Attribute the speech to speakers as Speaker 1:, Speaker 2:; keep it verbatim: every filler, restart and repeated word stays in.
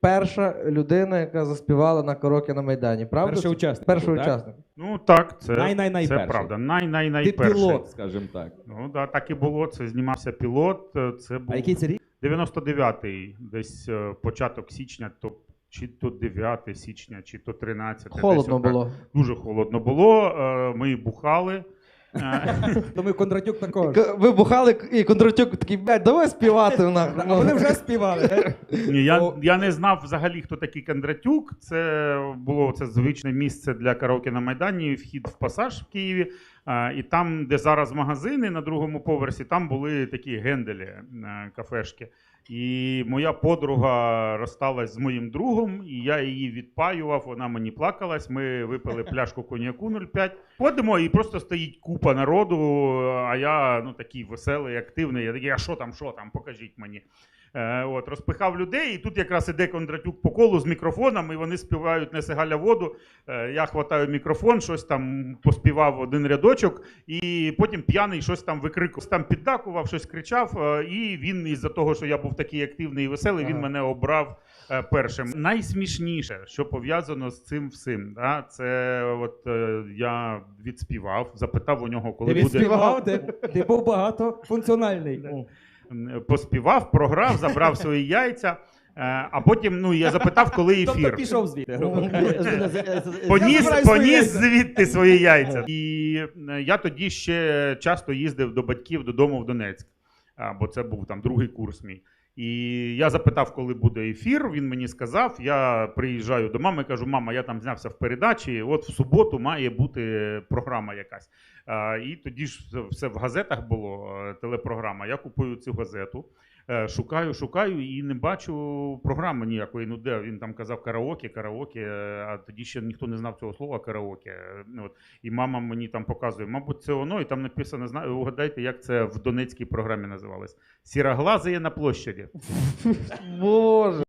Speaker 1: перша людина, яка заспівала на караоке на Майдані, правда?
Speaker 2: Перший
Speaker 1: це?
Speaker 2: учасник.
Speaker 1: Перший
Speaker 2: так?
Speaker 1: учасник.
Speaker 3: Ну так, це,
Speaker 2: Най-най-най
Speaker 3: це
Speaker 2: перший.
Speaker 3: правда.
Speaker 2: Ти
Speaker 3: Най-най-найперший.
Speaker 2: пілот, скажімо так.
Speaker 3: Ну да, так і було. Це знімався пілот. Це був
Speaker 2: А який це рік?
Speaker 3: дев'яносто дев'ятий, десь е, початок січня, то чи то дев'яте січня, чи то тринадцяте.
Speaker 1: Холодно
Speaker 3: десь отак.
Speaker 1: було.
Speaker 3: Дуже холодно було. Е, Ми бухали. Е,
Speaker 2: То ми Кондратюк також.
Speaker 1: К- Ви бухали, і Кондратюк такий, блядь, давай співати нахуй.
Speaker 2: А вони вже співали.
Speaker 3: Ні, я,
Speaker 2: О.
Speaker 3: я не знав взагалі, хто такий Кондратюк. Це було це звичне місце для караоке на Майдані, вхід в Пасаж в Києві. А, і там, де зараз магазини на другому поверсі, там були такі генделі, е, кафешки. І моя подруга розсталась з моїм другом, і я її відпаював, вона мені плакалась, ми випили пляшку коньяку нуль п'ять. Ходимо, і просто стоїть купа народу, а я ну, такий веселий, активний. Я такий, а що там, що там, покажіть мені. Е, от, розпихав людей, і тут якраз іде Кондратюк по колу з мікрофоном, і вони співають «Неси Галя воду». Е, я хватаю мікрофон, щось там поспівав один рядочок, і потім п'яний щось там викрикував, там піддакував, щось кричав, е, і він із-за того, що я був такий активний і веселий, він
Speaker 1: Ага.
Speaker 3: мене обрав е, першим. Найсмішніше, що пов'язано з цим всім, да, це от е, я відспівав, запитав у нього, коли
Speaker 2: Ти
Speaker 3: буде...
Speaker 2: відспівав, ти, ти був багатофункціональний.
Speaker 3: Поспівав, програв, забрав свої яйця, е, а потім ну, я запитав, коли ефір.
Speaker 2: Тобто пішов звідти. грубо кажучи.
Speaker 3: Поніс,
Speaker 2: забирай свої
Speaker 3: поніс
Speaker 2: яйця.
Speaker 3: звідти свої яйця. І е, я тоді ще часто їздив до батьків додому в Донецьк, а, бо це був там другий курс мій. І я запитав, коли буде ефір, він мені сказав, я приїжджаю до мами, кажу, мама, я там знявся в передачі, от в суботу має бути програма якась. А, і тоді ж все- все в газетах було, е, телепрограма, я купую цю газету, е, шукаю, шукаю і не бачу програми ніякої, ну де, він там казав караоке, караоке, е, а тоді ще ніхто не знав цього слова караоке. е, ну, От. І мама мені там показує, мабуть, це воно, і там написано, знаю, угадайте, як це в донецькій програмі називалось. «Сіроглазые на площаді».
Speaker 1: Боже.